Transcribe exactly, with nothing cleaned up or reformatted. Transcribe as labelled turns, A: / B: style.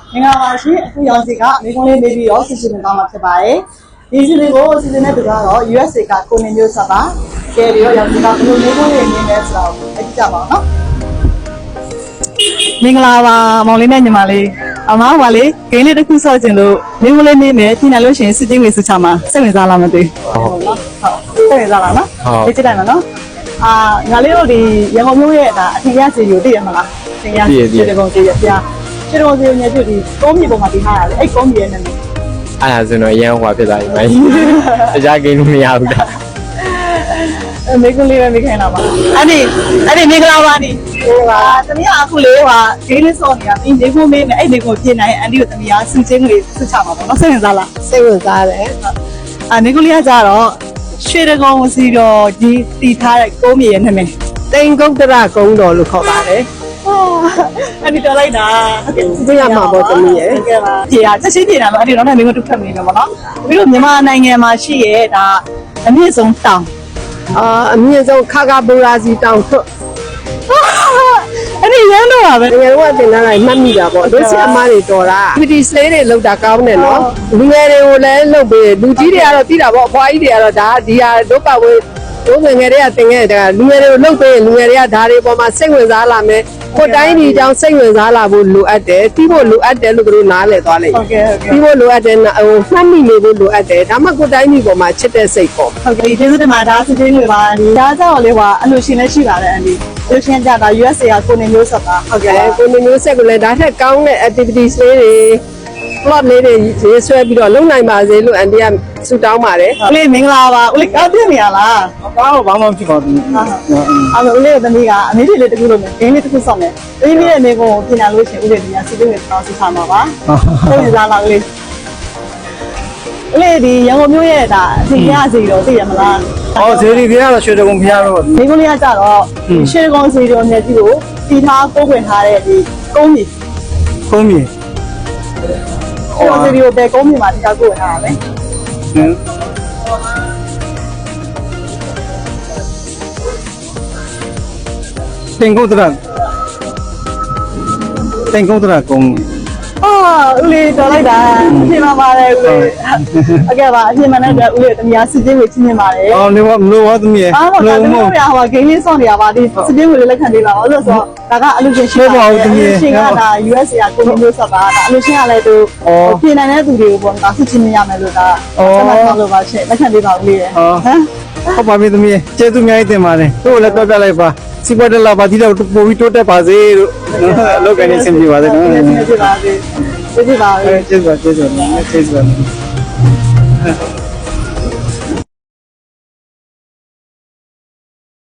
A: င်္ဂလာပါရှင်အခုရောင်စီကမိကုန်းလေးနေပြီးတော့စီစဉ်နေသွားမှာဖြစ်ပါတယ်ဒီစီစဉ်ကိုစီစဉ်တဲ့သူကတော့ U S A ကကိုနေမျိုးဆက်ပါကဲပြီးတော့ရောင်စီကဘယ်လိုမိကုန်းလေးနေလဲဆိုတော့အကြည့်ကြပါအောင်နော်မင်္ဂလာပါမောင်လေးနဲ့ညီမလေးအမကလေဂိမ်းလေးတစ်ခုဆော့ကျင်လို့မိကုန်းလေးနေမယ်ပြင်လာလို့ရှိရင်စစ်ချင်းဝေစုချမှာစိတ်ဝင်စားလားမသိဟုတ်နော်ဟုတ်စိတ်ဝင်စားလားနော်ဒီကြည့်တိုင်းမှာနော်အာငါလေးတို့ဒီရန်ကုန်မြို့ရဲ့ဒါအထင်ရစီကိုသိရမလားအထင်ရစီဒီကောင်ကြီးရပြခြေတော်စီညပြုတ်ဒီကုန်းမြေပေါ်မှာတင်ထားရတယ်အဲ့ကုန်းမြေရဲ့နာမည်
B: အဲ့ဒါဆိုတော့ရန်ဟွာဖြစ်သွားပြီမိုင်းအကြဂိမ်းလို့မရဘူးလား
A: အဲမိကုလေးပဲမိခိုင်းလာပါအဲ့ဒီအဲ့ဒီမင်္ဂလာပါနေဟိုပါတမီးအခုလေးဟာဂိမ်းလေးစောနေတာပြီးနေဖို့မေးမယ်အဲ့နေကိုပြင်နိုင်အန်တီကိုတမီးကစူချင်းလေးစူချမှာပေါ့နော်စိတ်ဝင်စားလား
C: စိတ်ဝင်စားတယ်
A: အာမိကုလေးကကြတော့ရွှေတကုန်းစီတော့ဒီတီထားတဲ့ကုန်းမြေရဲ့နာမည်
C: တိန်ကုတ်တရကုန်းတော်လို့ခေါ်ပါတယ်
A: အဲ့ဒီတော်လိုက်တာ
C: ဟုတ်ကဲ့သိရမှာပေါ့တမီးရဲ့
A: ဟုတ်ကဲ့ပါပြေတာချက်ချင်းပြေတာပါအဲ့ဒီတော့လည်းမင်းတို့ထွက်နေတယ်ပေါ့နော်ပြီးတော့မြန်မာနိုင်ငံမှာရှိရဲ့ဒါအမြင့်ဆုံးတောင်
C: အာအမြင့်ဆုံးခါခါဘူရာစီတောင်ထွတ်
A: အဲ့ဒီရမ်းတော့ပါပဲ
C: ငယ်တော့တင်လာလိုက်မှတ်မိတာပေါ့တို့ဆီအမားတွေတော်တာ activity slay တွေလောက်တာကောင်းတယ်နော်လူငယ်တွေကိုလည်းလုပ်ပေးလူကြီးတွေကတော့သိတာပေါ့အဖွားကြီးတွေကတော့ဒါဒီဟာဒုက္ခဝေတို့ငယ်ငယ်တွေကတင်ခဲ့တာလူငယ်တွေကိုလုပ်ပေးလူငယ်တွေကဒါတွေပေါ်မှာစိတ်ဝင်စားလာမယ်ကိုတိုင်းဒီအကြောင်းစိတ်ဝင်စားလာဖို့လိုအပ်တယ်ပြီးဖို့လိုအပ်တယ်လို့တို့နားလည်သွားလိမ့်
A: ဟုတ်ကဲ့ဟုတ်ကဲ့
C: ပြီးဖို့လိုအပ်တယ်ဟိုမှတ်မိနေဖို့လိုအပ်တယ်ဒါမှကိုတိုင်းဒီပေါ်မှာချစ်တဲ့စိတ်ပေါ့
A: ဟုတ်ကဲ့ဒီကျေးဇူးတင်ပါဒါစစ်ချင်းတွေပါဒီဒါကြောင့်လေးပါအလို့ရှင်လည်းရှိပါတယ်အန်ဒီလူရှင်ကြတာ U S A ကကိုနေမျိုးဆက်ပါ
C: ဟုတ်ကဲ့ကိုနေမျိုးဆက်ကလည်းဒါထက်ကောင်းတဲ့ activities လေးတွေ plot လေးတွေရေးဆွဲပြီးတော့လုပ်နိုင်ပါစေလို့အန်တီကဆုတောင်းပါတယ်
A: ဦးလေးမင်္ဂလာပါဦးလေးကောင်းပြနေရလား
B: ဘာလို့ဘာမှမဖြစ်ပါဘူး
A: အဲ့တော့ဦးလေးသမီးကအမေလေးလေးတခုလုပ်မယ်ဂိမ်းလေးတခုဆော့မယ်ပြီးပြီးတဲ့နေကိုပြင်လာလို့ရှိရင်ဦးလေးဒီကစီးပွားရေးတောင်းစီထားမှာပါဟုတ်ပြီလားဦးလေးဦးလေးဒီရန်ကုန်မြို့ရဲ့ဒါအထင်ရစီတော့သိရမလား
B: ဟောဇေဒီပြကတော့ရွှေတကုံဖျားတော့
A: မိကုန်းလေးကကြတော့ရွှေတကုံစီတော်မြတ်ကြီးကိုတီထားကိုးခွင်ထားတဲ့ဒီကုန်းကြီး
B: ကုန်းကြီး
A: ဟိုစီဒီကိုပဲကုန်းကြီးမှာတီထားကိုးခွင်ထားတာပဲ
B: တင်ကုတ်တရတင်ကုတ်တရကုန်း
A: အော်ဦးလေးတော်လိုက်တာအပြင်မှာပါတယ်ဦးလေးဟုတ်ကဲ့ပါအပြင်မှာလည်းဦးလေးတမယာစစ်ချင်းကိုချင်းချင်းပါတယ်
B: အော်နေမလို့ဘာသမီးရဲ့
A: လုံးလုံးဟိုဟိုဂိမ်းလေးစောင့်နေရပါဒီစစ်ချင်းကိုလည်းလက်ခံပေးပါအောင်လို့ဆိုတော့ဒါကအလူရှင်ရှင်းပါဦးသမီးရဲ့ရှင်ကဒါ U S A ကကိုမျိုးဆက်ပါဒါအလူရှင်ကလည်းသူပြင်နိုင်တဲ့သူတွေကိုပေါ့ဒါစစ်ချင်းရမယ်လို့ဒါဆက်မှတ်ဆောင်လို့ပါရှင်လက်ခံပေးပါဦးလေးရဲ့ဟမ်
B: ဟုတ်ပါပြီသမီးရဲ့ကျေးဇူးများတင်ပါတယ်တို့လည်းတွက်ပြလိုက်ပါစီပွားတက်လာပါဒီတော့ပို့ပြီးတိုးတက်ပါစေလို့အလုပ်ကနေဆင်ပြေပါစေနော်
A: ဆင်ပြေပါစေကျေးဇူးပါ
B: ကျေးဇူးပါကျေးဇူးပါကျေးဇူးပါ